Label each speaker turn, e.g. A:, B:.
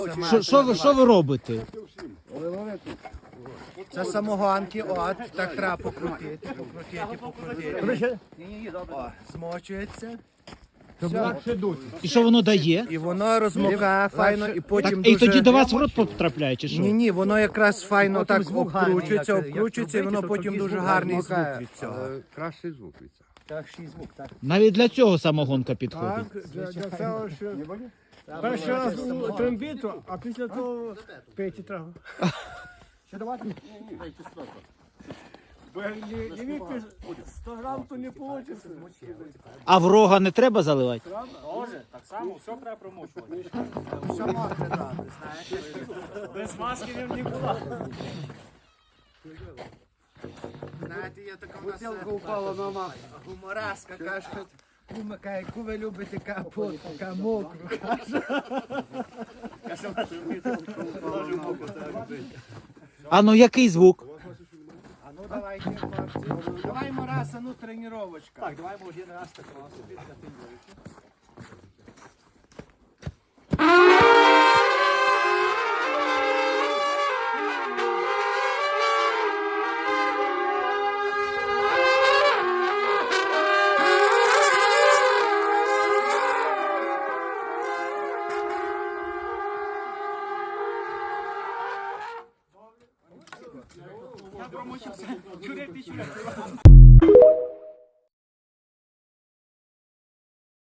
A: Що ви робите?
B: Це самогонки, от, так треба покрутити. О, змочується.
A: І що воно дає?
B: І воно розмокає файно, і потім
A: І тоді до
B: дуже...
A: вас в рот потрапляє, чи що?
B: Ні, воно якраз файно так обкручується, і воно потім дуже гарний звук від цього.
C: Кращий звук від цього.
D: Кращий звук, так.
A: Навіть для цього самогонка підходить.
D: Для цього, що... Перший раз у трембіту, а після того пейте треба. Ще давати? Бо як не вип'єш 100 грам, то не вийде.
A: А в рога не треба заливати?
E: Може, так само, все треба промочувати.
B: Все мокре добре, знаєш.
E: Без маски він не була.
B: Знаєте, є така в нас гумораска, каже, кума, яку ви любите капот, мокру, каже.
A: А ну який звук?
B: А ну давайте, хлопці. Даваймо раз, а ну тренувачка.
D: Так, давай може один раз так собі на тренуючи.
E: Я промочився. Чурек ти чурек.